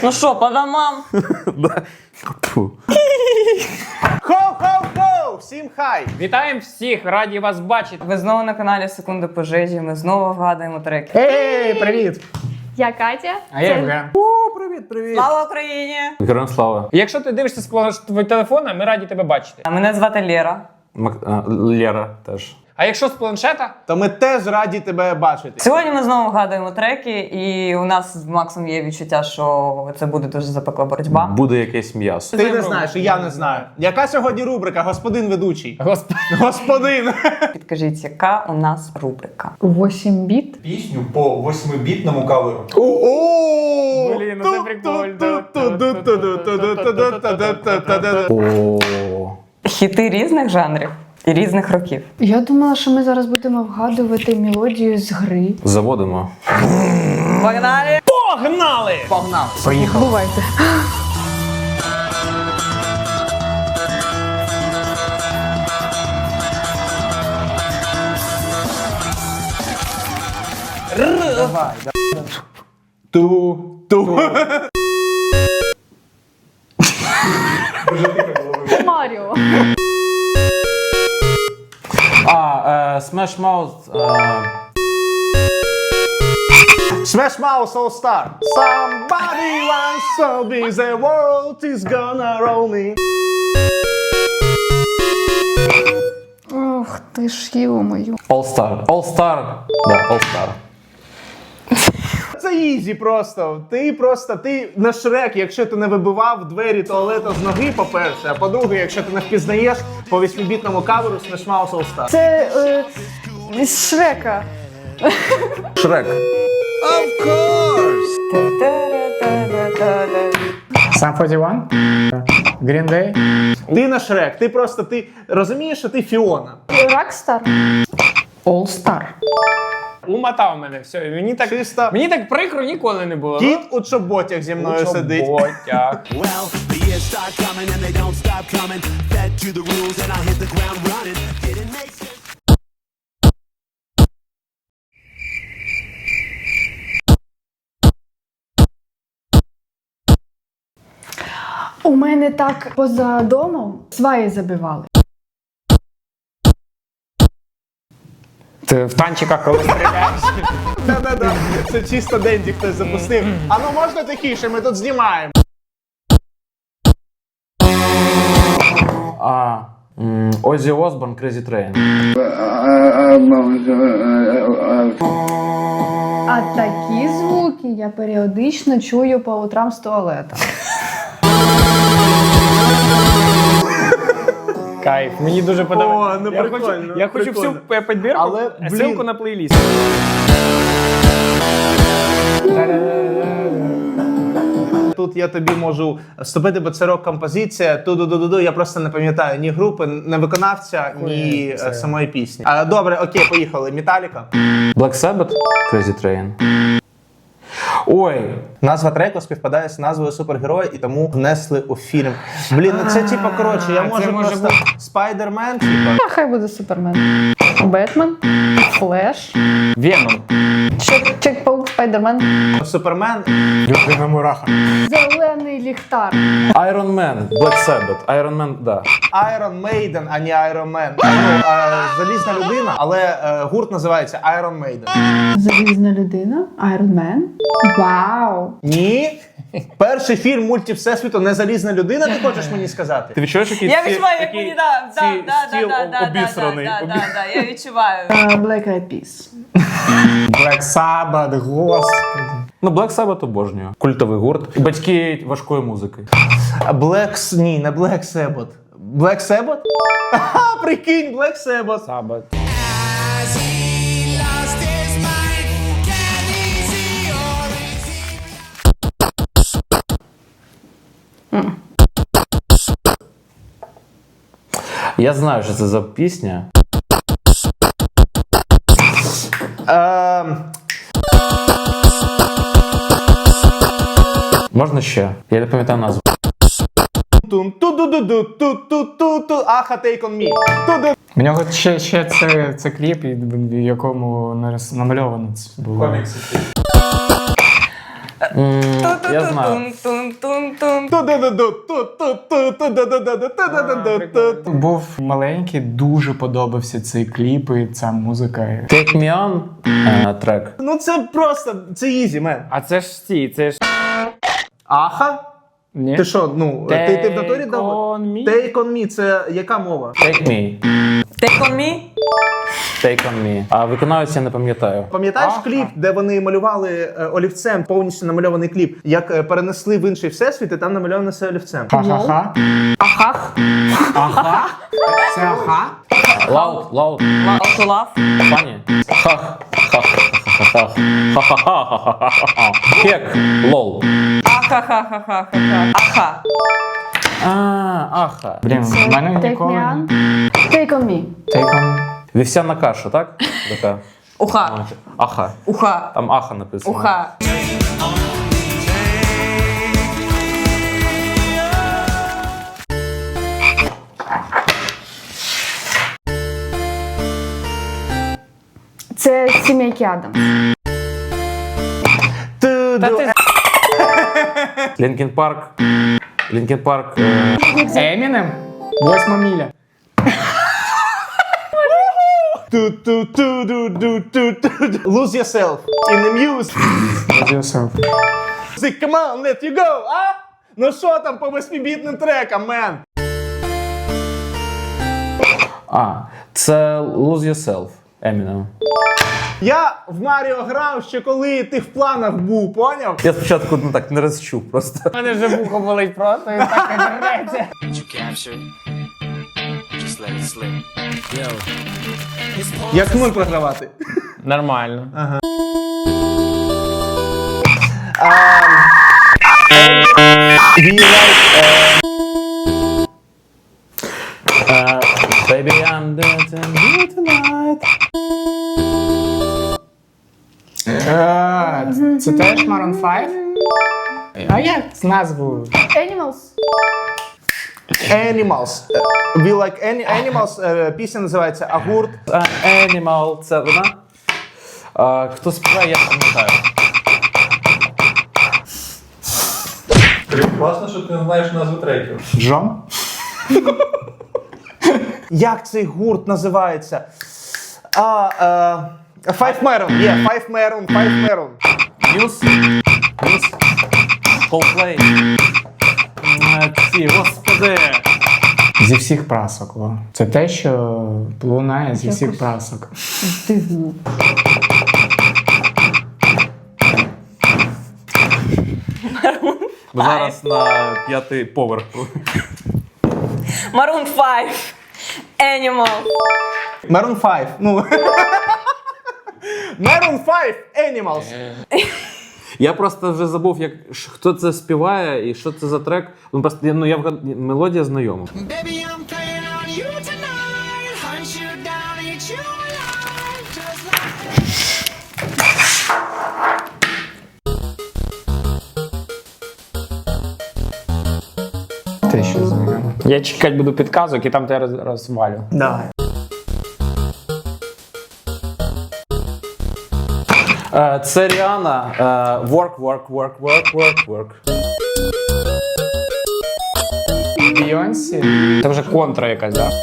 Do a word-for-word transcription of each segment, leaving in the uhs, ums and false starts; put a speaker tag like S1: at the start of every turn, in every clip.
S1: Ну що, по домам?
S2: Хоу-хоу-хоу! Всім хай!
S3: Вітаємо всіх, раді вас бачити.
S1: Ви знову на каналі Секунди пожежі, ми знову вгадуємо треки.
S3: Ей, привіт!
S4: Я Катя.
S3: А я Євген.
S2: О, привіт, привіт!
S1: Слава Україні!
S5: Героям слава.
S3: Якщо ти дивишся з твого телефона, ми раді тебе бачити.
S1: А мене звати Лера.
S5: Мак... А, Лера теж.
S3: А якщо з планшета,
S2: То ми теж раді тебе бачити.
S1: Сьогодні ми знову вгадуємо треки, і у нас з Максом є відчуття, що це буде дуже запекла боротьба.
S5: Буде якесь м'ясо.
S2: Ти не знаєш, і я не знаю. Яка сьогодні рубрика, господин ведучий?
S3: господи.
S2: Господин!
S1: Підкажіть, яка у нас рубрика?
S4: восемь біт.
S6: Пісню по восьмибітному каверу.
S2: О!
S3: Блін, ну це прикольно.
S5: О.
S1: Хіти різних жанрів і різних років.
S4: Я думала, що ми зараз будемо вгадувати мелодію з гри.
S5: Заводимо.
S1: Погнали!
S3: Погнали!
S2: Погнав.
S3: Поїхали.
S4: Бувайте.
S2: Давай, давай. Ту, ту.
S4: Маріо.
S5: А, е, Smash Mouth. Е,
S2: Smash Mouth All Star. Somebody once told me the world is gonna roll me.
S4: Ох ти ж, ё-моё.
S5: All Star. All Star. Да, All Star.
S2: Це ізі просто. Ти просто, ти на Шрек, якщо ти не вибивав двері туалета з ноги, по-перше, а по-друге, якщо ти не впізнаєш по восьмибітному каверу Smash Mouth All Star.
S4: Це е, з Шрека.
S5: Шрек.
S3: Сам сорок один? Green Day?
S2: Ти на Шрек, ти просто, ти розумієш, що ти Фіона.
S4: Рокстар. All Star.
S3: Умотав мене, все. Мені так,
S2: Чисто.
S3: мені так прикро ніколи не було.
S2: Кіт у чоботях зі мною сидить.
S3: Чоботяг.
S7: Well, the years start coming and they don't stop coming. Fed to the rules and I hit the ground running. Didn't make sense.
S4: У мене так поза домом сваї забивали.
S3: Ти в танчиках коли стріляєш.
S2: Да-да-да, це чисто Денді хтось запустив. А ну можна тихіше, ми тут знімаємо.
S5: А. м, Оззі Осборн, Crazy Train.
S4: А такі звуки я періодично чую по утрам з туалета.
S3: Кайф, мені дуже подобається.
S2: О, ну
S3: я
S2: прикольно,
S3: хочу, я хочу
S2: прикольно.
S3: всю підбірку,
S2: Але, блін.
S3: ссылку на плейліст.
S2: Тут я тобі можу вступити, бо це рок-композиція. Ту-ду-ду-ду-ду. Я просто не пам'ятаю ні групи, ні виконавця, ні е, самої пісні. А, добре, окей, поїхали. Металіка.
S5: Black Sabbath, Crazy Train. Ой.
S2: Назва треку співпадає з назвою супергероя і тому внесли у фільм. Блін, ну це типа, коротше, я
S3: це
S2: можу
S3: може
S2: просто Спайдермен, типа.
S4: А хай буде Супермен. Бетмен. Флеш.
S3: Веном.
S4: Чек, Чек-паук, Спайдермен.
S2: Супермен.
S3: Людина мураха.
S4: Зелений ліхтар.
S5: Iron Man, Black Sabbath. Iron Man, да.
S2: Iron Maiden, а не Iron Man. Ну, а, залізна людина, але е, гурт називається Iron Maiden.
S4: Залізна людина. Iron Man. Вау.
S2: Ні. Перший фільм мульті Всесвіту не залізна людина, ти хочеш мені сказати?
S5: Ти відчуєш, який
S1: Я
S5: ці-
S1: відчуваю, як
S5: який
S1: мені, да, да,
S5: ці-
S1: да,
S5: стіл
S1: да, да, да,
S5: обісраний.
S1: да, да, да, я відчуваю.
S4: А, Black Eyed Peas.
S3: Black Sabbath, господи.
S5: Ну, Black Sabbath обожнюю. Культовий гурт. Батьки важкої музики.
S2: Black... С- Ні, не Black Sabbath. Black Sabbath? Ага, прикинь, Black Sabbath.
S3: Sabbath.
S5: Я знаю, що це за пісня.
S2: Ем,
S5: Можна ще? Я не пам'ятаю назву.
S2: тун, ту-ду-ду-ду, ту-ту-ту-ту, аха, take on me. Ту-ду.
S3: У нього ще, ще це, це кліп, в якому нарис- намальовано це було.
S6: Комікси.
S5: Я знаю.
S1: Тун-тун-тун-тун.
S2: Ту-ду-ду-ду-ту-ту-ту-ду-ду-ду-ду-ду-ду.
S3: Був маленький, дуже подобався цей кліп і ця музика.
S5: Take Me On е, трек.
S2: Ну це просто, це ізі, мен.
S8: А це ж ті, це ж.
S2: Аха?
S3: Ні?
S2: Ти що, ну, ти, ти в натурі дав?
S8: on me?
S2: Take on me, це яка мова?
S5: Take Me.
S1: Take on me.
S5: Take On Me. А виконавець я не пам'ятаю.
S2: Пам'ятаєш кліп, де вони малювали е, олівцем, повністю намальований кліп, як е, перенесли в інший всесвіт, і там намальовано все олівцем.
S3: Ха-ха-ха.
S1: Ахах.
S3: Ага? Це аха?
S5: Loud, loud.
S1: Love to love.
S5: Funny. Хах. Хах. Хах. Ха-ха-ха. Хек. Лол.
S1: Ахахахахаха. Аха.
S5: А, аха.
S3: Блін, в мене
S4: Take
S3: ніколи...
S4: me on. Take on me.
S3: Take on.
S5: Вівсяна каша, так? Така.
S1: Уха.
S5: Аха.
S1: Уха.
S5: Там аха написано.
S1: Уха.
S4: Це сімейки Адамс.
S2: Ту-ду.
S5: Лінкін Парк. Лінкін Парк. е,
S3: Емінем? Восьма міля.
S2: Ту-ту-ту-ду-ду-ту-ту. Lose yourself in the music.
S3: Lose yourself.
S2: Come on, let you go, а? Ну що там по восьмібітним трекам, мен?
S5: А, це Lose Yourself. Eminem.
S2: Я в Маріо грав ще коли ти в планах був, поняв?
S5: Я спочатку ну, так не розчув просто.
S3: У мене вже вухо болить просто і так і береться.
S2: Як нуль програвати.
S8: Нормально.
S2: Do you like,
S5: Uh, baby, I'm dancing you tonight.
S3: Е, Це теж Maroon п'ять? А як з назвою?
S4: Animals.
S2: Animals. We like any animals. Е, Пісня називається Агурт.
S5: Uh, Animal, це вона. Uh, хто співає, я пам'ятаю.
S6: Класно, що ти не знаєш назву треків.
S3: Джон?
S2: Як цей гурт називається? А, е, Five Maroon. Є, yeah, Five Maroon, Five Maroon.
S5: News. News. Coldplay. Е, Ці, господи.
S3: Зі всіх прасок. О. Це те, що лунає зі всіх прасок.
S4: Дивно.
S5: Ми зараз на п'ятий поверх.
S1: Maroon five. Animal.
S2: Maroon five. Ну. Maroon five Animals.
S5: Я просто вже забув, як, ш- хто це співає і що це за трек. Ну, просто, я- ну, я вгад- мелодія знайома.
S7: Baby, I'm playing on you tonight. Hunt you down, eat you alive. Just like
S3: Те, що знайомо.
S8: Я чекати буду підказок і там тебе роз- розвалю.
S2: Давай.
S5: Е, Це Ріана. е, Work, work, work, work, work, work.
S3: Бійонсі?
S8: Це вже контра якась, так?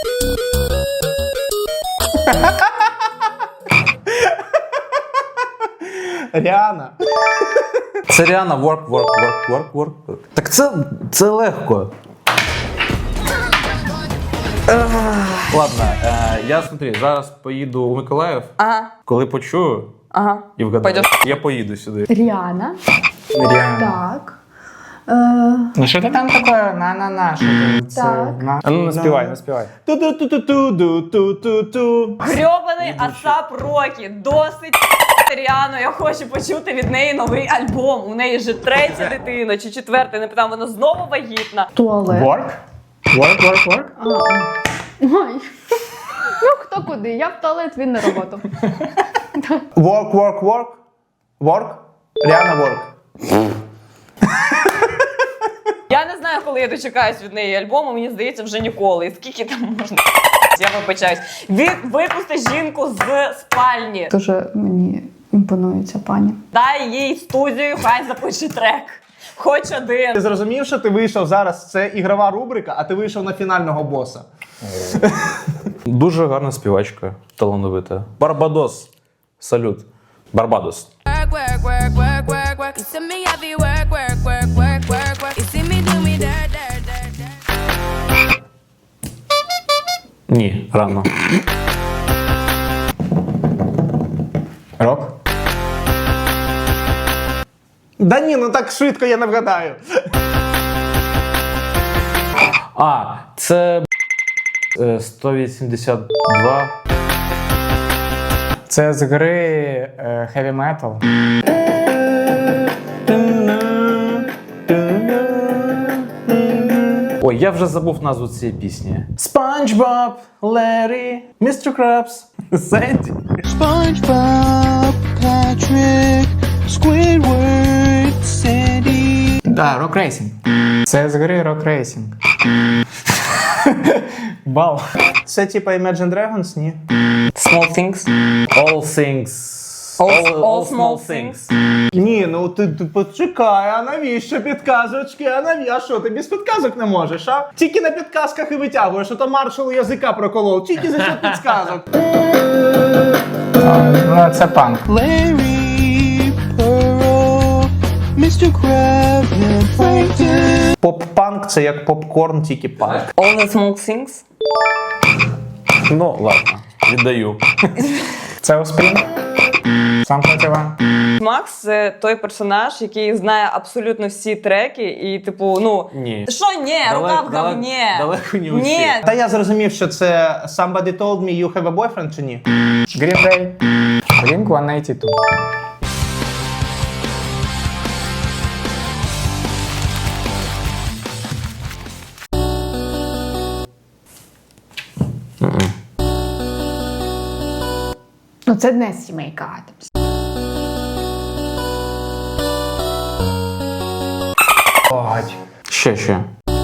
S2: Ріана.
S5: Це Ріана. Work, work, work, work, work, work. Так це, це легко. Ех. Ладно, е, я смотри, зараз поїду у Миколаїв.
S1: Ага.
S5: Коли почую
S1: Ага.
S5: і вгадаю,
S1: Пойдеш.
S5: я поїду сюди.
S4: Ріана.
S3: Ріана.
S4: Так. Е,
S3: Ну що ти там таке? На-на-на, що ти? Це
S4: Так.
S3: на-
S8: А ну наспівай, наспівай.
S2: Ту-ту-ту-ту-ту-ту-ту.
S1: Грьобаний Асап Рокі. Досить Ріану. Я хочу почути від неї новий альбом. У неї вже третя дитина чи четверта, не питаю, вона знову вагітна.
S4: туалет.
S3: Work? Work, work, work?
S4: А, ой. Ну, хто куди? Я в туалет, він на роботу.
S2: Work, work, work. Work. Ріана work.
S1: Я не знаю, коли я дочекаюсь від неї альбому, мені здається, вже ніколи. І скільки там можна? Я вибачаюсь. Від випусти жінку з спальні.
S4: Дуже мені імпонується пані.
S1: Дай їй студію, хай запише трек. Хоч один.
S2: Ти зрозумів, що ти вийшов зараз, це ігрова рубрика, а ти вийшов на фінального боса.
S5: Дуже гарна співачка, талановита. Барбадос. Салют. Барбадос.
S7: Work, work, work, work, work, work. You see me heavy work, work, work, work, work, work. You see me do me dirt, dirt, dirt, dirt.
S5: Ні, рано.
S3: Рок?
S2: Да ні, ну так швидко я не вгадаю.
S5: А, це е, сто вісімдесят два.
S3: Це з гри е, Heavy Metal.
S5: Ой, я вже забув назву цієї пісні. SpongeBob, Larry, містер Krabs, Sandy.
S7: SpongeBob, Patrick, Squidward, Sandy.
S3: Да, Rock Racing. Це з гри Rock Racing. Бал.
S2: Це типа Imagine Dragons, ні?
S3: Small Things.
S5: All things.
S1: All- all small things.
S2: Ні, ну ти, ти почекай, а навіщо підказочки? А навіщо? А що, ти без підказок не можеш, а? Тільки на підказках і витягуєш, а то маршал язика проколов. Тільки за що підказок.
S3: Ну, це панк.
S7: Larry, Pearl, містер Krabs, and Plankton.
S2: Поп-панк це як попкорн, тільки панк.
S1: All the small things.
S5: Ну, ладно, віддаю.
S3: Це Оспрінг. Сам Іван.
S1: Макс це той персонаж, який знає абсолютно всі треки, і типу, ну.
S5: Ні.
S1: Що ні, рука в
S5: Далеко-
S1: говні.
S5: далеко не усі.
S1: Ні.
S2: Та я зрозумів, що це Somebody Told Me You Have a Boyfriend чи ні?
S3: Green Day. Blink сто вісімдесят два.
S4: Ну це не сімейка Адамс.
S5: Ще, ще.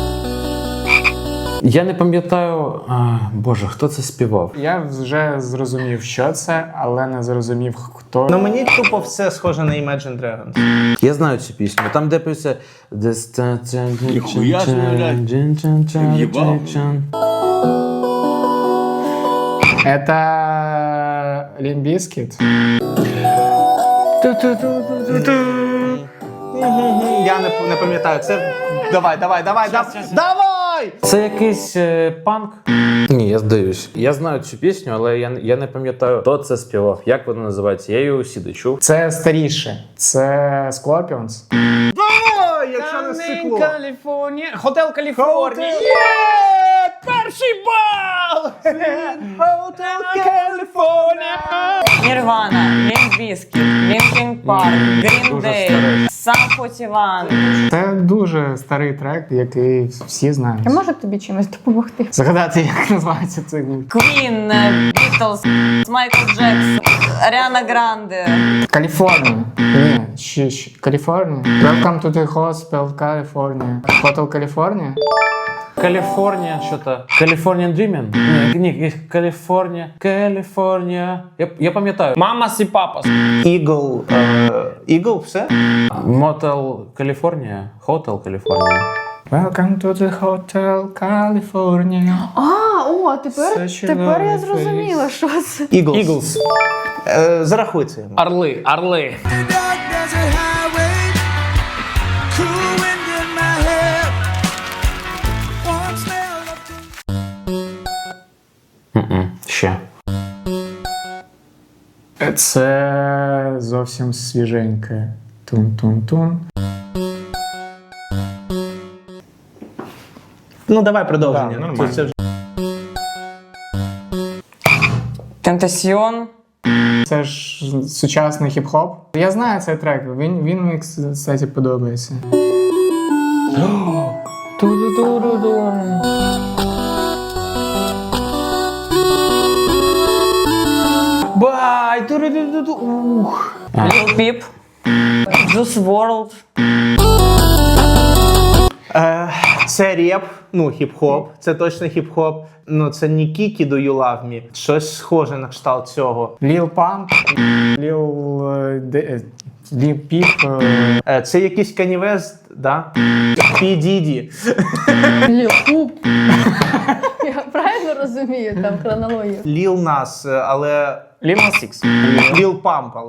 S5: Я не пам'ятаю, а, боже, хто це співав?
S3: Я вже зрозумів, що це, але не зрозумів, хто.
S2: Ну мені тупо все схоже на Imagine Dragons.
S5: Я знаю цю пісню. Там де пише
S9: Ніхуя ж не В'їбав.
S3: Это Лімбіскіт.
S2: Я не, не пам'ятаю, це... Давай, давай, давай, давай! Давай!
S5: Це якийсь е, панк? Ні, я здаюсь. Я знаю цю пісню, але я, я не пам'ятаю, хто це співав. Як вона називається? Я її усюди чув.
S3: Це старіше. Це Scorpions.
S2: Давай, якщо не стекло.
S3: Каліфорнія. Хотел Каліфорнія.
S2: Перший бал! Hotel California!
S1: Нірвана, Лімп Бізкіт, Лінкін Парк, Грін
S5: Дуже
S1: Дей,
S5: старий.
S1: Сам форті ван.
S3: Це дуже старий трек, який всі знають.
S4: Я можу тобі чимось допомогти?
S3: Згадати, як називається цей гурт.
S1: Квін, Бітлз, Майкл Джексон, Аріана Гранде.
S3: Каліфорнія. Ні, ще, ще. Каліфорнія. Welcome to the Hospital California. Hotel California.
S5: Каліфорнія, що то? Californian Dreaming? Ні, ні, Каліфорнія, Каліфорнія. Я, я пам'ятаю.
S8: Мамас і папас.
S2: Eagle, е, Eagle, все?
S5: Мотел Каліфорнія, Хотел Каліфорнія.
S3: Welcome to the Hotel California.
S4: А, о, тепер,
S3: Such a
S4: тепер я
S3: lovely
S4: зрозуміла, що це.
S2: Eagles.
S3: Eagles.
S2: Е, зарахуй це йому.
S8: Орли, орли.
S7: Dark desert highway, cool wind in my hair. Warm smell of
S5: Мгм, ще.
S3: Це зовсім свіженьке. Тун-тун-тун.
S2: Ну давай продовження.
S3: Да, нормально.
S2: Це вже-
S1: Тентасіон.
S3: Це ж сучасний хіп-хоп. Я знаю цей трек, він, він мені, кстати, подобається. Ту-ду-ду-ду-ду. Бай! Ту-ду-ду-ду-ду. Ух.
S1: Ліл Піп. Juice ворлд.
S2: Е, Це реп, ну хіп-хоп, це точно хіп-хоп. Ну це не Kiki Do You Love Me, щось схоже на кшталт цього.
S3: Lil Pump, Lil... е, де- е, Lil Peep, е,
S2: Е, Це якийсь Kanye West, да? P. Diddy.
S4: Ліхуп. Я правильно розумію там хронологію?
S2: Lil Nas, е, але...
S8: Lil Nas X.
S2: Lil Pump, але...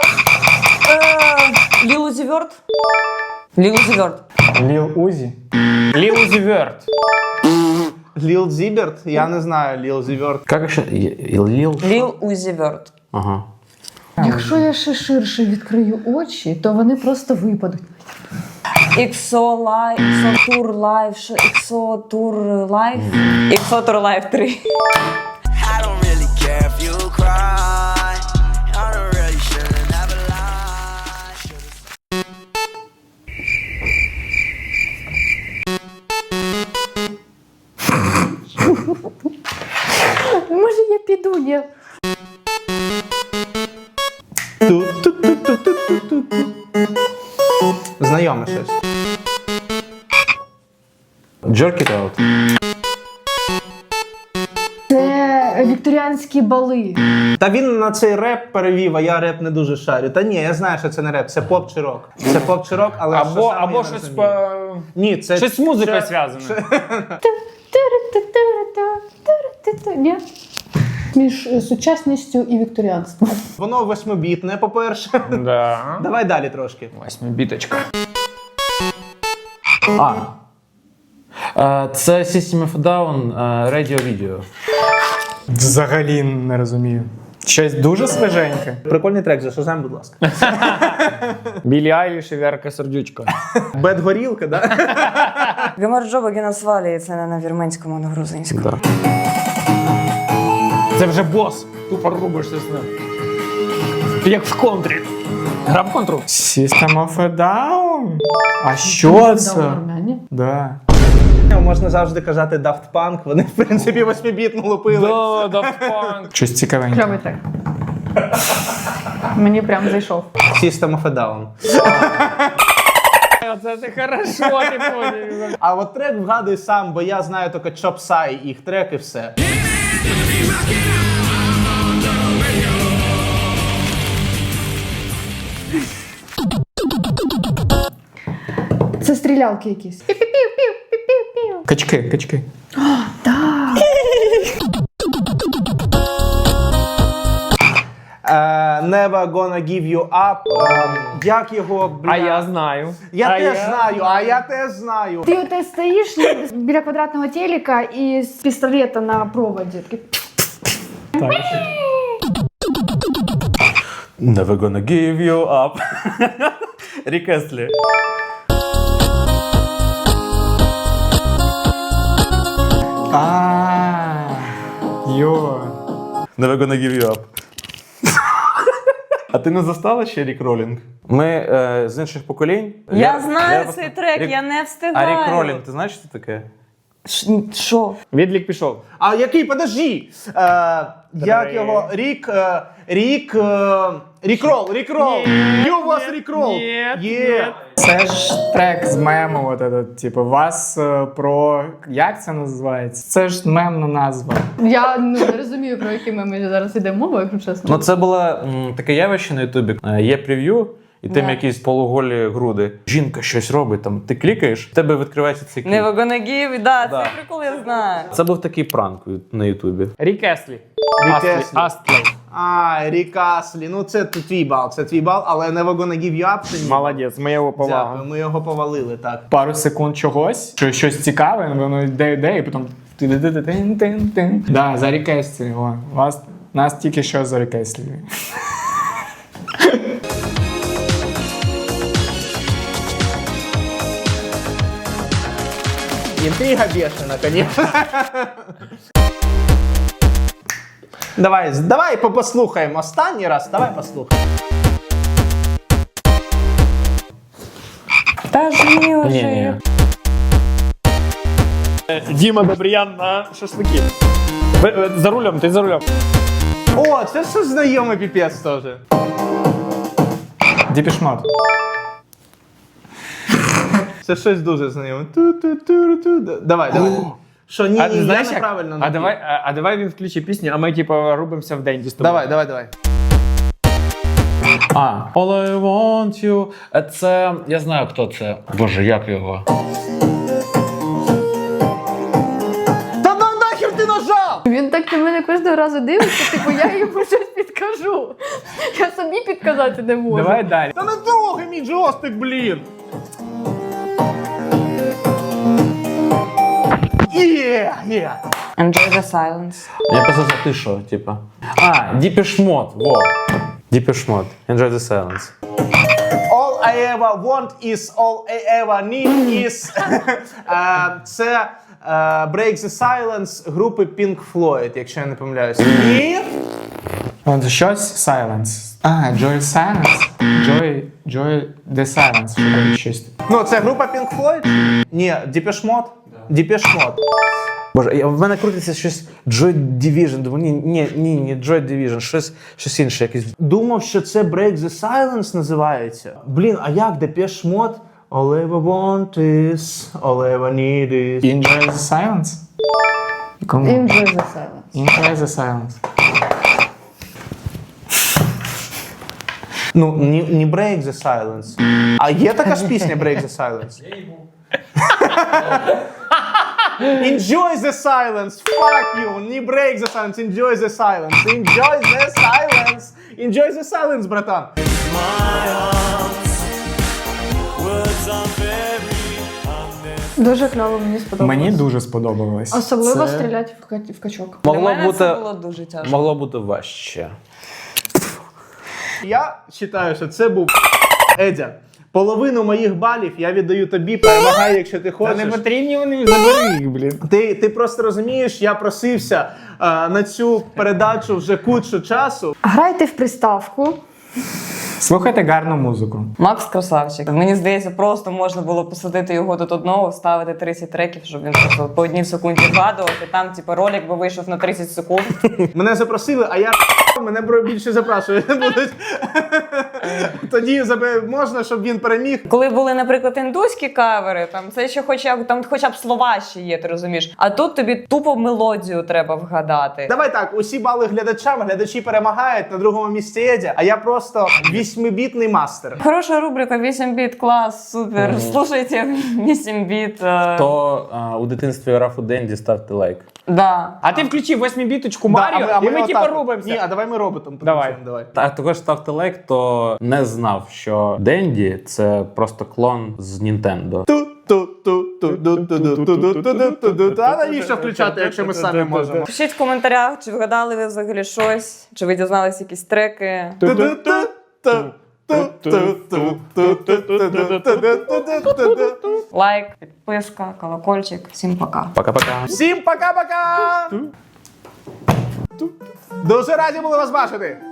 S1: Ліл Узі Верт? Ліл Узі Верт.
S3: Lil Uzi.
S8: Lil Uzi Vert.
S2: Lil Zibert? Я не знаю Lil Zibert.
S5: Як ще? Ліл?
S1: Ліл Узі Верт.
S5: Ага.
S4: Якщо я ще ширше відкрию очі, то вони просто випадуть.
S1: Іксо Лайв, Іксо Тур Лайв, що- Іксо Тур Лайв. Іксо Тур Лайв три.
S7: I don't really care if you cry. I don't really should've never lied. Should've
S4: Може, я піду, я.
S2: Ту-ту-ту-ту-ту-ту-ту. Знайоме щось.
S5: Jerk it out.
S4: Це вікторіанські бали.
S2: Та він на цей реп перевів, а я реп не дуже шарю. Та ні, я знаю, що це не реп, це поп чи рок. Це поп чи рок, але що
S8: Або,
S2: саме, я
S8: або
S2: не
S8: щось
S2: розумію.
S8: по...
S2: Ні, це...
S8: Щось з музикою
S2: це-
S8: зв'язане.
S4: Ту-ру-ту-ту-ру-ту-ту-ру-ту-ту. Ні. Між е, сучасністю і вікторіанством.
S2: Воно восьмибітне, по-перше.
S8: Да.
S2: Давай далі трошки.
S8: Восьмибіточка.
S5: А. Е, Це System of a Down, е, Radio Video.
S3: Взагалі не розумію. Щось дуже свіженьке.
S2: Прикольний трек, за Шазам, будь ласка.
S8: Білі Айліш і Вірка Сердючка.
S2: Бед горілка, да?
S1: Гамарджоба Генасвалі, це не на вірменському, а на грузинському.
S5: Да.
S8: Це вже бос. Тупо рубишся з ним. Ти як в контрі. Гра в контру.
S3: System of a Down? А що це?
S4: Нормально.
S3: Да.
S2: Можна завжди казати Daft Punk, вони, в принципі, восьмибітну лупили.
S8: Да, Daft Punk.
S3: Щось цікавеньке.
S4: Кльовий трек. Мені прям зайшов.
S2: System of a Down.
S8: Оце ти хорошо, ти поняв.
S2: А от трек вгадуй сам, бо я знаю тільки Chopsai, їх трек і все.
S4: Це стрілялки якісь. Пі-пі-пів-пів-пів-пів.
S3: Качки, качки.
S2: Е, Never Gonna Give You Up. Е, Як його, бля...
S8: А я знаю.
S2: Я
S8: А
S2: теж знаю, а я теж знаю.
S4: Ти от стоїш біля квадратного телека і з пістолета на проводі. Такий,
S5: Never gonna give you up. Рік Естлі.
S3: А, йо.
S5: Never gonna give you up. А ти не застала ще Рік Ролінг? Ми е, з інших поколінь.
S1: Я знаю
S5: вас-
S1: цей трек,
S5: Рік-
S1: я не
S5: А
S1: встигаю.
S5: Рік Ролінг, ти знаєш, що це таке?
S1: Ш- Що?
S8: Відлік пішов.
S2: А який, подожди. Е, як його, Рік, е, Рік, е, Рікрол, Рікрол. Є у вас Рікрол? Є.
S3: Це ж трек з мему, от этот, типу, вас е, про. Як це називається? Це ж мемна назва.
S4: Я ну, не розумію, про які ми зараз йде мова, якщо чесно.
S5: Ну це було м, таке явище на Ютубі. Е, Є прев'ю, і там
S1: Да.
S5: якісь полуголі груди. Жінка щось робить, там ти клікаєш, в тебе відкривається цей кліп.
S1: Never gonna give, да,
S5: Да.
S1: цей прикол я знаю.
S5: Це був такий пранк на Ютубі.
S8: Рік Еслі.
S2: Рік
S8: Астлі.
S2: Еслі.
S8: Астлі.
S2: А, Рік Аслі. Ну це твій бал, це твій бал, але Never Gonna Give You Up це ні.
S8: Молодець, ми його
S2: Дякую,
S8: повага.
S2: ми його повалили, так.
S3: Пару секунд чогось, що щось цікаве, воно йде, йде, і потім. тин-тин-тин-тин-тин. Да, за рекестрі. О, вас нас тільки що за рекестрі.
S2: Интрига бешена, конечно. Давай, давай по- послухаємо. Останній раз, давай послухаємо.
S1: Та ж ні, вже.
S8: Ні, ні. Діма Добріян на шашлики. Ви- ви За рулем, ти за рулем.
S2: О, це ж знайомий піпець теж. Це щось дуже знайоме. Ту-ту-ту-ту. Давай, давай. Що, ні,
S8: А
S2: ні,
S8: ти
S2: я
S8: знаєш як?
S2: неправильно.
S8: А
S2: напів.
S8: давай, а, а давай він включить пісню, а ми типу рубимося в денді з тобою.
S2: Давай, давай, давай.
S5: А, All I want you. Е, Це, я знаю, хто це. Боже, як його?
S2: Та на нахер ти нажав?
S4: Він так на мене кожного разу дивиться, типу я йому щось підкажу. Я собі підказати не можу.
S8: Давай далі.
S2: Та не трогай мій джойстик, блін. Є, є.
S1: Enjoy the silence.
S5: Я просто за ти що, типа. А, Depeche Mode, во. Depeche Mode. Enjoy the silence.
S2: All I ever want is, all I ever need is. Е, Це е, Break the Silence групи Pink Floyd, якщо я не помиляюся. Ні?
S3: От щось silence. А, Joy Silence. Joy, Joy the Silence. Що там щось.
S2: Ну, це група Pink Floyd? Ні, Depeche Mode? Depeche Mode.
S5: Боже, я, в мене крутиться щось Joy Division. Думаю, ні, ні, ні, ні, Joy Division, щось, щось інше, якесь.
S2: Думав, що це Break the Silence називається. Блін, а як Depeche Mode? All I ever want is, all I ever need is.
S3: Enjoy the Silence? Кому?
S4: Enjoy the silence.
S3: Enjoy the Silence.
S2: Ну, не, не Break the Silence. А є така ж пісня Break the Silence? Enjoy the silence, fuck you, не break the silence, enjoy the silence, enjoy the silence, enjoy the silence, братан.
S4: Дуже кльово, мені сподобалось.
S3: Мені дуже сподобалось.
S4: Особливо
S3: Це-
S4: стріляти в, ка- в качок.
S1: Для
S5: Могло
S1: мене
S5: бути,
S1: це було дуже тяжко.
S5: могло бути важче.
S2: Я вважаю, що це був Едя. Половину моїх балів я віддаю тобі, перемагай, якщо ти
S8: Та
S2: хочеш.
S8: не потрібні вони, забери їх, блін.
S2: Ти, ти просто розумієш, я просився е, на цю передачу вже кучу часу.
S4: Грайте в приставку.
S3: Слухайте гарну музику.
S1: Макс красавчик. Мені здається, просто можна було посадити його тут одного, вставити тридцять треків, щоб він просто по одній секунді вгадував. І там, типу, ролик би вийшов на тридцять секунд.
S2: Мене запросили, а я мене бро- більше запрошують не будуть. Тоді забе- можна, щоб він переміг.
S1: Коли були, наприклад, індуські кавери, там це ще хоча б там хоча б слова ще є, ти розумієш. А тут тобі тупо мелодію треба вгадати.
S2: Давай так, усі бали глядачам, глядачі перемагають, на другому місці Едя, а я просто вісьмибітний мастер.
S1: Хороша рубрика вісім біт, клас, супер. Слушайте вісім біт. е,
S5: Хто а, у дитинстві грав у Денді, ставте лайк.
S1: Да.
S8: А ти включив восьмібіточку
S2: Да,
S8: Маріо,
S2: а
S8: і ми
S2: отак
S8: типу
S2: от.
S8: рубимося.
S2: Ні, а давай ми роботом
S8: Давай.
S2: потанцюємо, давай.
S5: А також ставте лайк, хто не знав, що Денді це просто клон з Нінтендо.
S2: Ту-ту-ту-ту-ту-ту-ту-ту-ту-ту. А навіщо включати, якщо ми самі можемо?
S1: Пишіть в коментарях, чи вгадали ви взагалі щось, чи ви дізналися якісь треки. Лайк, підписка, колокольчик. Всім пока.
S5: Пока-пока.
S2: Всім пока-пока! Дуже раді були вас бачити!